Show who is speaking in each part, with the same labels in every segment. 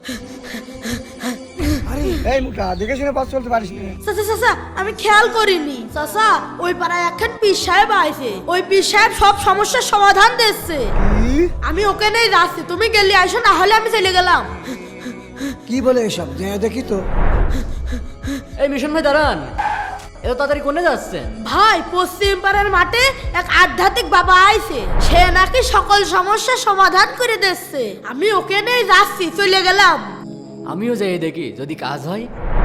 Speaker 1: এই মুখা দেখে শুনে পথ চলতে পারিস না।
Speaker 2: চাচা চাচা আমি খেয়াল করিনি চাচা, ওই পাড়ায় একখান পীর সাহেব আইছে, ওই পীর সাহেব সব সমস্যার সমাধান দিচ্ছে। আমি ওকে নেই যাচ্ছি, তুমি গেলে আইসো, না হলে আমি চলে গেলাম।
Speaker 1: কি বলে এসব, যে দেখি তো।
Speaker 3: এই মিশন ভাই দাঁড়ান, এত তাড়াতাড়ি কোনে যাচ্ছেন?
Speaker 2: ভাই পশ্চিম পাড়ার মাঠে এক আধ্যাত্মিক বাবা আইছে, সে নাকি সকল সমস্যার সমাধান করে দিচ্ছে। আমি ওকে নেই যাচ্ছি, চলে গেলাম।
Speaker 3: আমিও যাই দেখি যদি কাজ হয়।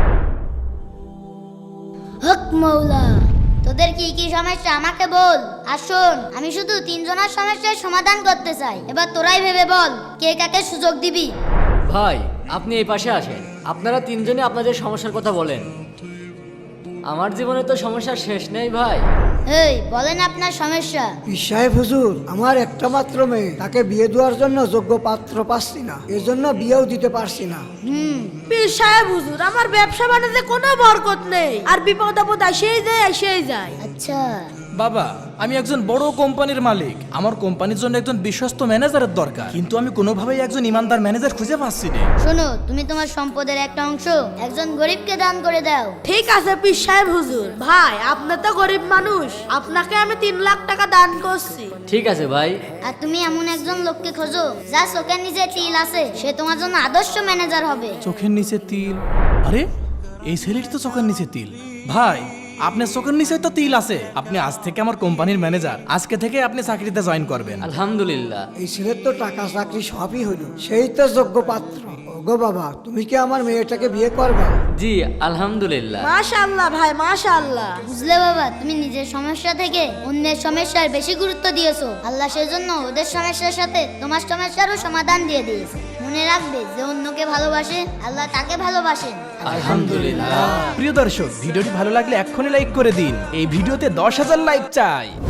Speaker 4: হক মৌলা, তোদের কি কি সমস্যা আমাকে বল। আর শোন, আমি শুধু তিনজনের সমস্যার সমাধান করতে চাই, এবার তোরাই ভেবে বল কে কাকে সুযোগ দিবি।
Speaker 3: ভাই আপনি এই পাশে আসেন, আপনারা তিনজনে আপনাদের সমস্যার কথা বলেন। আমার জীবনে তো সমস্যার শেষ নেই ভাই।
Speaker 4: এই বলেন আপনার সমস্যা।
Speaker 1: পীর সাহেব হুজুর, আমার একটা মাত্র মেয়ে, তাকে বিয়ে দেওয়ার জন্য যোগ্য পাত্র পাচ্ছি না, এজন্য বিয়েও দিতে পারছি না।
Speaker 2: পীর সাহেব হুজুর, আমার ব্যবসা বাণিজ্যে কোনো বরকত নেই, আর বিপদ আপদ এসেই যায়।
Speaker 4: আচ্ছা
Speaker 5: বাবা, আমি একজন বড় কোম্পানির মালিক, আমার কোম্পানির জন্য একজন বিশ্বস্ত ম্যানেজারের দরকার, কিন্তু আমি কোনোভাবেই একজন ইমানদার ম্যানেজার খুঁজে পাচ্ছি না।
Speaker 4: শোনো, তুমি তোমার সম্পদের একটা অংশ একজন গরিবকে দান করে দাও।
Speaker 2: ঠিক আছে পীর সাহেব হুজুর, ভাই আপনি তো গরিব মানুষ, আপনাকে আমি 3 লাখ টাকা দান করছি।
Speaker 3: ঠিক আছে ভাই।
Speaker 4: আর তুমি এমন একজন লোককে খোঁজো যা চোখের নিচে তিল আছে, সে তোমার জন্য আদর্শ ম্যানেজার হবে।
Speaker 5: চোখের নিচে তিল? আরে এই ছেলেটি তো চোখের নিচে তিল। ভাই আপনার চোখের নিচে তো তিল আছে, আপনি আজ থেকে আমার কোম্পানির ম্যানেজার, আজকে থেকে আপনি চাকরিতে জয়েন করবেন।
Speaker 3: আলহামদুলিল্লাহ।
Speaker 1: এই ছেলের তো টাকা চাকরি সবই হলো, সেই তো যোগ্য পাত্র। ওগো বাবা, তুমি কি আমার মেয়েটাকে বিয়ে করবা?
Speaker 3: জি আলহামদুলিল্লাহ।
Speaker 2: মাশাআল্লাহ ভাই, মাশাআল্লাহ।
Speaker 4: বুঝলে বাবা, তুমি নিজের সমস্যা থেকে অন্যের সমস্যার বেশি গুরুত্ব দিয়েছো। আল্লাহ সেজন্য ওদের সমস্যার সাথে তোমার সমস্যারও সমাধান দিয়ে দিয়েছে। মনে রাখবে, যে অন্যকে ভালোবাসে আল্লাহ তাকে ভালোবাসেন।
Speaker 3: আলহামদুলিল্লাহ।
Speaker 5: প্রিয় দর্শক, ভিডিওটি ভালো লাগলে এক্ষুনি লাইক করে দিন। এই ভিডিওতে 10,000 লাইক চাই।